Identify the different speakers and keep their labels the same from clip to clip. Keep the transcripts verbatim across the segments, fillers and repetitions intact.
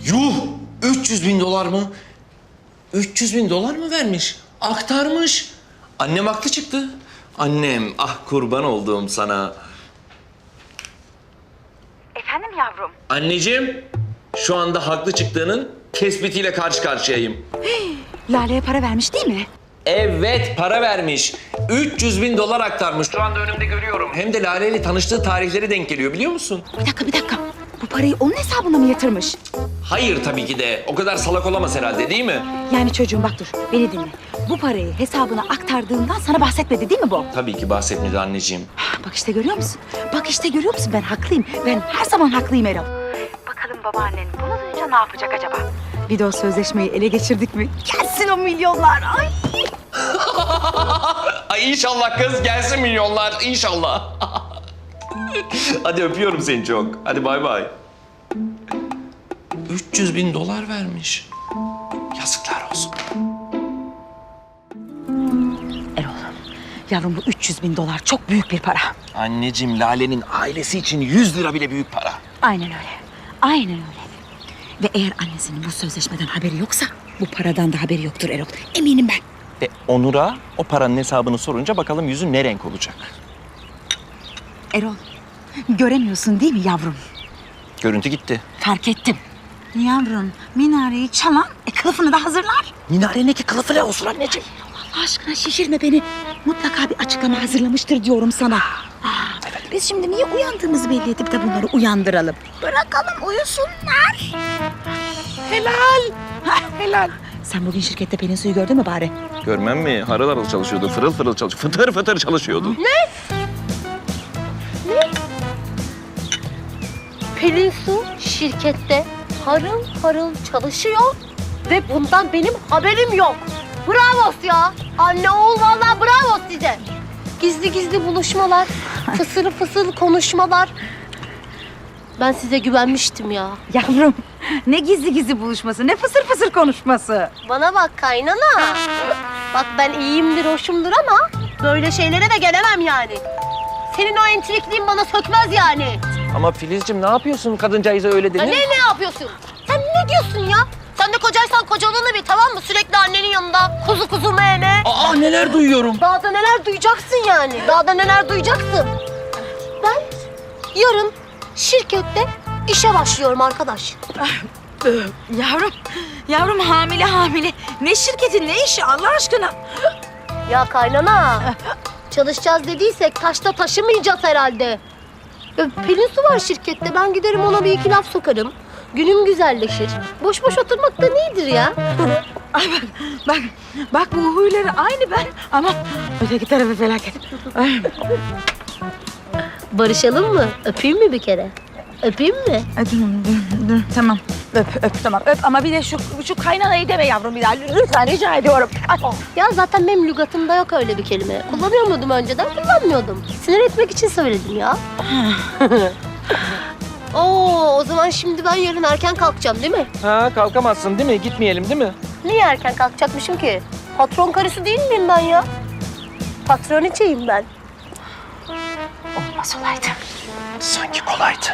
Speaker 1: Yuh! üç yüz bin dolar mı? üç yüz bin dolar mı vermiş? Aktarmış. Annem haklı çıktı. Annem, ah kurban olduğum sana.
Speaker 2: Efendim yavrum?
Speaker 1: Anneciğim, şu anda haklı çıktığının tespitiyle karşı karşıyayım.
Speaker 2: Lale'ye para vermiş değil mi?
Speaker 1: Evet, para vermiş. üç yüz bin dolar aktarmış. Şu anda önümde görüyorum. Hem de Lale ile tanıştığı tarihleri denk geliyor, biliyor musun?
Speaker 2: Bir dakika bir dakika. Bu parayı onun hesabına mı yatırmış?
Speaker 1: Hayır tabii ki de. O kadar salak olamaz herhalde, değil mi?
Speaker 2: Yani çocuğum bak dur beni dinle. Bu parayı hesabına aktardığından sana bahsetmedi değil mi bu?
Speaker 1: Tabii ki bahsetmedi anneciğim.
Speaker 2: Bak işte görüyor musun? Bak işte görüyor musun? Ben haklıyım. Ben her zaman haklıyım Erol. Bakalım babaannen bunu duyunca ne yapacak acaba? Bir de o sözleşmeyi ele geçirdik mi? Gelsin o milyonlar. Ay!
Speaker 1: Ay inşallah kız gelsin milyonlar. İnşallah. Hadi öpüyorum seni çok. Hadi bay bay. üç yüz bin dolar vermiş. Yazıklar olsun.
Speaker 2: Erol, yavrum bu üç yüz bin dolar çok büyük bir para.
Speaker 1: Anneciğim Lale'nin ailesi için yüz lira bile büyük para.
Speaker 2: Aynen öyle. Aynen öyle. Ve eğer annesinin bu sözleşmeden haberi yoksa bu paradan da haberi yoktur Erol. Eminim ben.
Speaker 1: Ve Onur'a o paranın hesabını sorunca bakalım yüzü ne renk olacak?
Speaker 2: Erol, göremiyorsun değil mi yavrum?
Speaker 1: Görüntü gitti.
Speaker 2: Fark ettim. Yavrum, minareyi çalan e, kılıfını da hazırlar.
Speaker 1: Minareneki kılıfı ne olsun anneciğim?
Speaker 2: Allah aşkına şişirme beni. Mutlaka bir açıklama hazırlamıştır diyorum sana. Aa, biz şimdi niye uyandığımızı belli edip de bunları uyandıralım? Bırakalım uyusunlar. Helal. Hah, helal. Sen bugün şirkette Pelin Su'yu gördün mü bari?
Speaker 1: Görmem mi? Harıl harıl çalışıyordu, fırıl fırıl çalışıyordu, fıtır fıtır çalışıyordu.
Speaker 3: Pelin Su şirkette harıl harıl çalışıyor ve bundan benim haberim yok. Bravo ya. Anne oğul vallahi bravo size. Gizli gizli buluşmalar, fısır fısır konuşmalar. Ben size güvenmiştim ya.
Speaker 2: Yavrum, ne gizli gizli buluşması, ne fısır fısır konuşması.
Speaker 3: Bana bak kaynana. Bak ben iyiyimdir, hoşumdur ama böyle şeylere de gelemem yani. Senin o entrikliğin bana sökmez yani.
Speaker 1: Ama Filizciğim ne yapıyorsun kadıncağıza öyle
Speaker 3: Ya
Speaker 1: denir?
Speaker 3: ne ne yapıyorsun? Sen ne diyorsun ya? Sen de kocaysan kocalığını bil tamam mı? Sürekli annenin yanında kuzu kuzu mene.
Speaker 1: Aa neler duyuyorum.
Speaker 3: Daha da neler duyacaksın yani. Daha da neler duyacaksın. Ben yarın şirkette işe başlıyorum arkadaş.
Speaker 2: Yavrum, yavrum hamile hamile. Ne şirketi, ne işi Allah aşkına?
Speaker 3: Ya kaynana. Çalışacağız dediysek taşta taşımayacağız herhalde. Ya Pelin Su var şirkette. Ben giderim ona bir iki laf sokarım. Günüm güzelleşir. Boş boş oturmak da nedir ya?
Speaker 2: Ay bak, bak, bak bu huyları aynı ben ama öteki tarafı felaket. Ay.
Speaker 3: Barışalım mı? Öpeyim mi bir kere? Öpeyim mi?
Speaker 2: Ay, dur, dur, dur, tamam. Öp, öp, tamam. Öp ama bir de şu, şu kaynanayı deme yavrum bir daha. Lütfen rica ediyorum. Ay.
Speaker 3: Ya zaten benim lügatımda yok öyle bir kelime. Kullanıyor muydum önceden? Kullanmıyordum. Sinir etmek için söyledim ya. Oo, o zaman şimdi ben yarın erken kalkacağım değil mi?
Speaker 1: Ha kalkamazsın değil mi? Gitmeyelim değil mi?
Speaker 3: Niye erken kalkacakmışım ki? Patron karısı değil miyim ben ya? Patroniçeyim ben.
Speaker 2: Olmaz olaydı.
Speaker 1: Sanki kolaydı.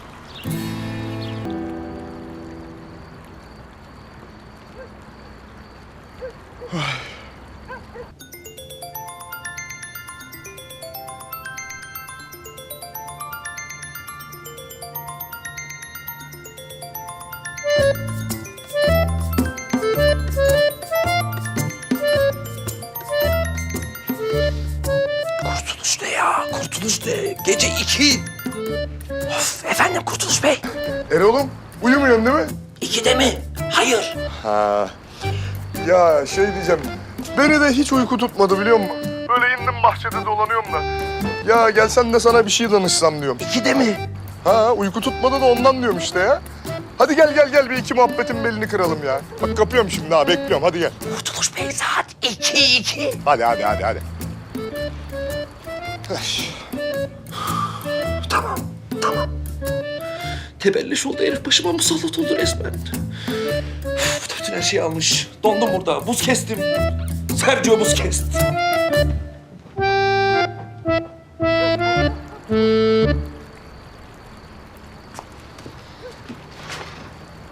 Speaker 1: Kurtuluş ne ya? Kurtuluş ne? Gece iki. Of efendim Kurtuluş Bey.
Speaker 4: Erol'um uyumuyorsun değil mi?
Speaker 1: İkide mi? Hayır.
Speaker 4: Ha. Ya şey diyeceğim. Beni de hiç uyku tutmadı biliyor musun? Böyle indim bahçede dolanıyorum da. Ya gelsen de sana bir şey danışsam diyorum.
Speaker 1: İkide mi?
Speaker 4: Ha uyku tutmadı da ondan diyorum işte ya. Hadi gel gel gel bir iki muhabbetin belini kıralım ya. Bak kapıyorum şimdi ha bekliyorum hadi gel.
Speaker 1: Kurtuluş Bey saat iki iki.
Speaker 4: Hadi hadi hadi hadi.
Speaker 1: Tamam, tamam. Tebelleş oldu herif başıma musallat oldu resmen. Uf, bütün her şeyi almış. Dondum burada, buz kestim. Sergio buz kesti.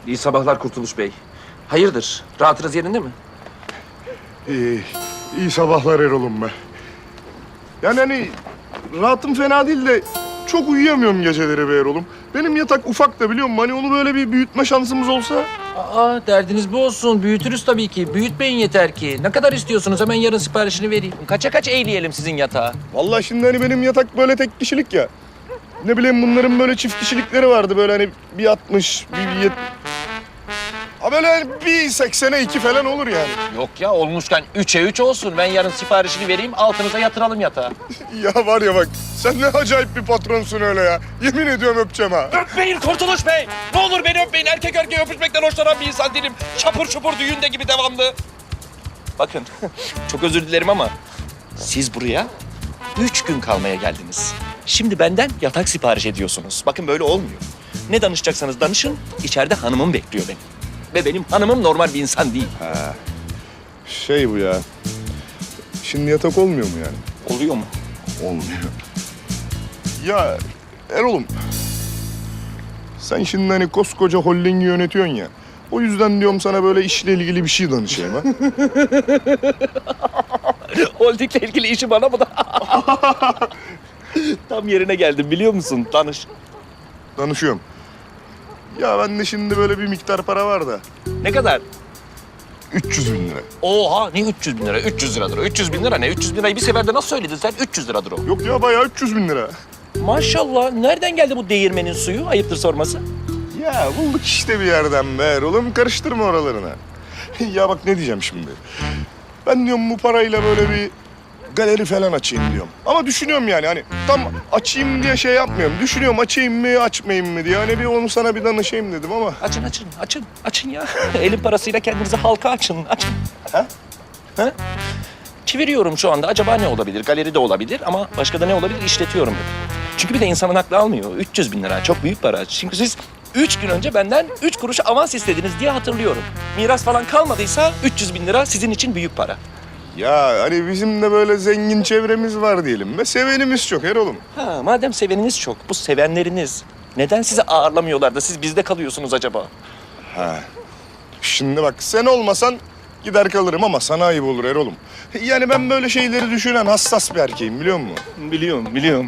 Speaker 1: İyi sabahlar Kurtuluş Bey. Hayırdır? Rahatınız yerinde mi?
Speaker 4: İyi, iyi sabahlar Erol'um be. Yani hani rahatım fena değil de çok uyuyamıyorum geceleri be Erol'um. Benim yatak ufak da biliyor musun? Hani onu böyle bir büyütme şansımız olsa.
Speaker 1: Aa, derdiniz bu olsun. Büyütürüz tabii ki. Büyütmeyin yeter ki. Ne kadar istiyorsunuz? Hemen yarın siparişini vereyim. Kaça kaç eğleyelim sizin yatağı?
Speaker 4: Vallahi şimdi hani benim yatak böyle tek kişilik ya. Ne bileyim bunların böyle çift kişilikleri vardı böyle hani bir altmış, bir yet... Ha böyle hani bir seksene iki falan olur yani.
Speaker 1: Yok ya, olmuşken üçe üç olsun. Ben yarın siparişini vereyim, altınıza yatıralım yatağı.
Speaker 4: Ya var ya bak sen ne acayip bir patronsun öyle ya. Yemin ediyorum öpeceğim ha.
Speaker 1: Öpmeyin Kurtuluş Bey! Ne olur beni öpmeyin. Erkek erkeğe öpüşmekten hoşlanan bir insan değilim. Çapur çupur düğünde gibi devamlı. Bakın, çok özür dilerim ama siz buraya üç gün kalmaya geldiniz. Şimdi benden yatak sipariş ediyorsunuz. Bakın böyle olmuyor. Ne danışacaksanız danışın, içeride hanımım bekliyor beni. Ve benim hanımım normal bir insan değil.
Speaker 4: Şey bu ya. Şimdi yatak olmuyor mu yani?
Speaker 1: Oluyor mu?
Speaker 4: Olmuyor. Ya Erol'um. Sen şimdi hani koskoca holdingi yönetiyorsun ya. O yüzden diyorum sana böyle işle ilgili bir şey danışayım ha.
Speaker 1: Holding'le ilgili işi bana mı da? Tam yerine geldim biliyor musun? Danış.
Speaker 4: Danışıyorum. Ya bende şimdi böyle bir miktar para var da.
Speaker 1: Ne kadar?
Speaker 4: üç yüz bin lira.
Speaker 1: Oha, ne üç yüz bin lira? üç yüz liradır o. üç yüz bin lira ne? üç yüz bin lirayı bir seferde nasıl söyledin sen? üç yüz liradır o.
Speaker 4: Yok ya bayağı üç yüz bin lira.
Speaker 1: Maşallah. Nereden geldi bu değirmenin suyu? Ayıptır sorması.
Speaker 4: Ya bulduk işte bir yerden be Erol'um. Karıştırma oralarına. Ya bak ne diyeceğim şimdi. Ben diyorum bu parayla böyle bir galeri falan açayım diyorum. Ama düşünüyorum yani hani tam açayım diye şey yapmıyorum. Düşünüyorum açayım mı açmayayım mı diye. Hani bir onu sana bir danışayım dedim ama.
Speaker 1: Açın, açın, açın. Açın ya. Elin parasıyla kendinize halka açın. Açın.
Speaker 4: Ha?
Speaker 1: Ha? Çeviriyorum şu anda. Acaba ne olabilir? Galeri de olabilir ama başka da ne olabilir? İşletiyorum dedim. Çünkü bir de insanın aklı almıyor. üç yüz bin lira çok büyük para. Çünkü siz üç gün önce benden üç kuruş avans istediniz diye hatırlıyorum. Miras falan kalmadıysa üç yüz bin lira sizin için büyük para.
Speaker 4: Ya hani bizim de böyle zengin çevremiz var diyelim ve sevenimiz çok Erol'um.
Speaker 1: Ha, madem seveniniz çok, bu sevenleriniz neden sizi ağırlamıyorlar da siz bizde kalıyorsunuz acaba?
Speaker 4: Ha. Şimdi bak sen olmasan gider kalırım ama sana ayıp olur Erol'um. Yani ben böyle şeyleri düşünen hassas bir erkeğim biliyor musun?
Speaker 1: Biliyorum, biliyorum.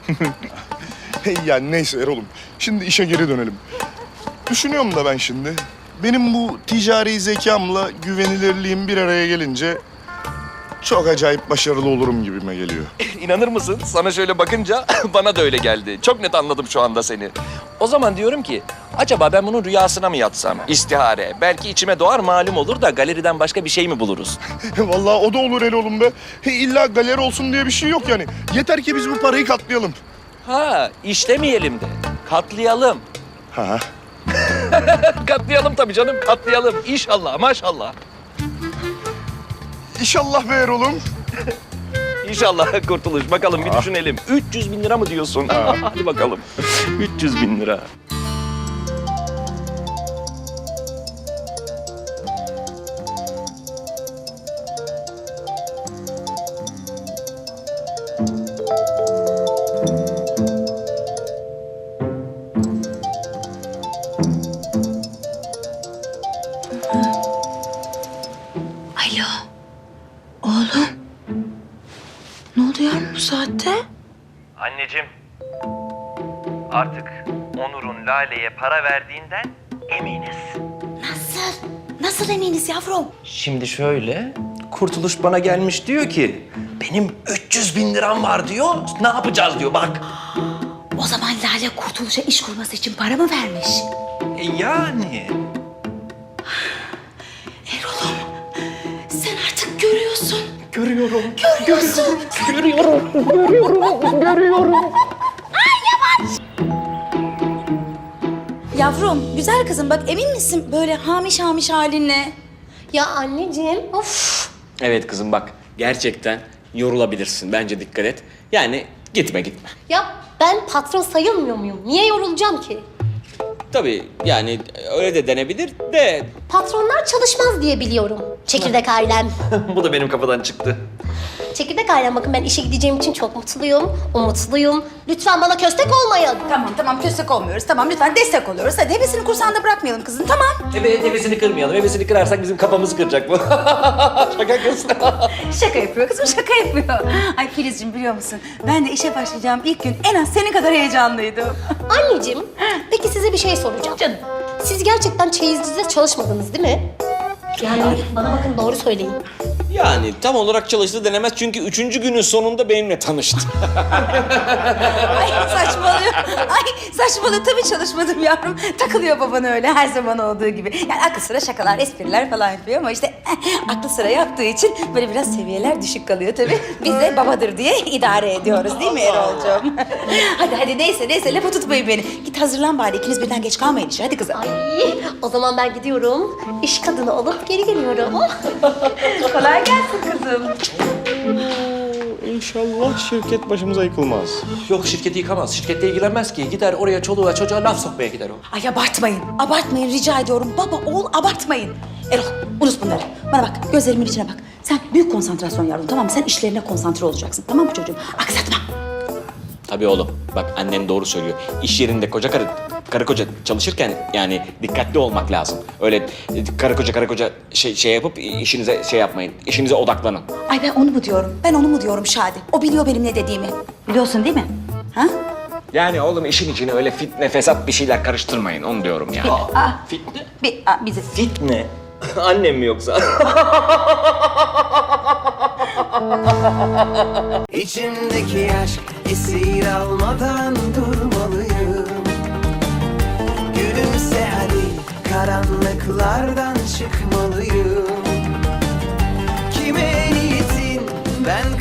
Speaker 4: Yani neyse Erol'um. Şimdi işe geri dönelim. Düşünüyorum da ben şimdi. Benim bu ticari zekamla güvenilirliğim bir araya gelince çok acayip başarılı olurum gibime geliyor.
Speaker 1: İnanır mısın? Sana şöyle bakınca bana da öyle geldi. Çok net anladım şu anda seni. O zaman diyorum ki, acaba ben bunun rüyasına mı yatsam? İstihare. Belki içime doğar malum olur da galeriden başka bir şey mi buluruz?
Speaker 4: Vallahi o da olur Erol'um be. İlla galeri olsun diye bir şey yok yani. Yeter ki biz bu parayı katlayalım.
Speaker 1: Ha, işlemeyelim de. Katlayalım.
Speaker 4: Ha.
Speaker 1: Katlayalım tabii canım, katlayalım. İnşallah, maşallah.
Speaker 4: İnşallah be Erol'um.
Speaker 1: İnşallah Kurtuluş. Bakalım bir düşünelim. üç yüz bin lira mı diyorsun? Hadi bakalım. üç yüz bin lira.
Speaker 2: Alo. Oğlum. Ne oluyor bu saatte?
Speaker 5: Anneciğim, artık Onur'un Lale'ye para verdiğinden eminiz.
Speaker 2: Nasıl? Nasıl eminiz yavrum?
Speaker 1: Şimdi şöyle, Kurtuluş bana gelmiş diyor ki, benim üç yüz bin liram var diyor, ne yapacağız diyor bak.
Speaker 2: O zaman Lale Kurtuluş'a iş kurması için para mı vermiş?
Speaker 1: E yani.
Speaker 2: Erol'um sen artık görüyorsun.
Speaker 1: Görüyorum.
Speaker 2: Görüyorsun.
Speaker 1: Görüyorum, görüyorum, görüyorum.
Speaker 2: Yavrum, güzel kızım bak emin misin böyle hamiş hamiş halinle?
Speaker 3: Ya anneciğim, of.
Speaker 6: Evet kızım bak gerçekten yorulabilirsin. Bence dikkat et. Yani gitme gitme.
Speaker 3: Ya ben patron sayılmıyor muyum? Niye yorulacağım ki?
Speaker 6: Tabii yani öyle de denebilir de
Speaker 3: Patronlar çalışmaz diye biliyorum. Çekirdek ailem.
Speaker 1: Bu da benim kafadan çıktı.
Speaker 3: Çekirdek ailem bakın ben işe gideceğim için çok mutluyum. Umutluyum. Lütfen bana köstek olmayın.
Speaker 2: Tamam tamam köstek olmuyoruz. Tamam lütfen destek oluyoruz. Hadi hevesini kursağında bırakmayalım kızın tamam.
Speaker 1: Evet, hevesini kırmayalım. Hevesini kırarsak bizim kafamızı kıracak bu. Şaka kız.
Speaker 2: Şaka yapıyor kızım şaka yapıyor. Ay Filizciğim biliyor musun? Ben de işe başlayacağım ilk gün en az senin kadar heyecanlıydım.
Speaker 3: Anneciğim, peki size bir şey soracağım.
Speaker 2: Canım.
Speaker 3: Siz gerçekten çeyizcide çalışmadınız değil mi? Yani bana bakın doğru söyleyin.
Speaker 6: Yani tam olarak çalıştı denemez çünkü üçüncü günün sonunda benimle tanıştı.
Speaker 2: Ay saçmalıyor. Ay saçmalıyor tabii çalışmadım yavrum. Takılıyor baban öyle her zaman olduğu gibi. Yani aklı sıra şakalar, espriler falan yapıyor ama işte eh, aklı sıra yaptığı için böyle biraz seviyeler düşük kalıyor tabii. Biz de babadır diye idare ediyoruz değil mi Erol'cum? hadi hadi neyse neyse lafı tutmayın beni. Git hazırlan bari ikiniz birden geç kalmayın işe hadi kızım.
Speaker 3: Ay, o zaman ben gidiyorum. İş kadını olup geri geliyorum.
Speaker 2: Kolay gelsin kızım.
Speaker 4: İnşallah şirket başımıza yıkılmaz.
Speaker 1: Yok, şirketi yıkamaz. Şirkette ilgilenmez ki. Gider oraya çoluğa çocuğa laf sokmaya gider o.
Speaker 2: Ay abartmayın. Abartmayın rica ediyorum. Baba oğul abartmayın. Erol unut bunları. Bana bak gözlerimin içine bak. Sen büyük konsantrasyon yavrum tamam mı? Sen işlerine konsantre olacaksın tamam mı çocuğum? Aksatma.
Speaker 6: Tabii oğlum. Bak annen doğru söylüyor. İş yerinde koca karı, karı koca çalışırken yani dikkatli olmak lazım. Öyle e, karı koca karı koca şey, şey yapıp işinize şey yapmayın. İşinize odaklanın.
Speaker 2: Ay ben onu mu diyorum? Ben onu mu diyorum Şadi? O biliyor benim ne dediğimi. Biliyorsun değil mi? Ha?
Speaker 6: Yani oğlum işin içine öyle fitne fesat bir şeyler karıştırmayın onu diyorum ya.
Speaker 2: Aa,
Speaker 1: Fitne?
Speaker 2: bir, aa, bizi.
Speaker 1: Fitne? Annem mi yoksa?
Speaker 7: İçimdeki aşk esir almadan durmalıyım. Gülümse hadi karanlıklardan çıkmalıyım. Kime niyetin ben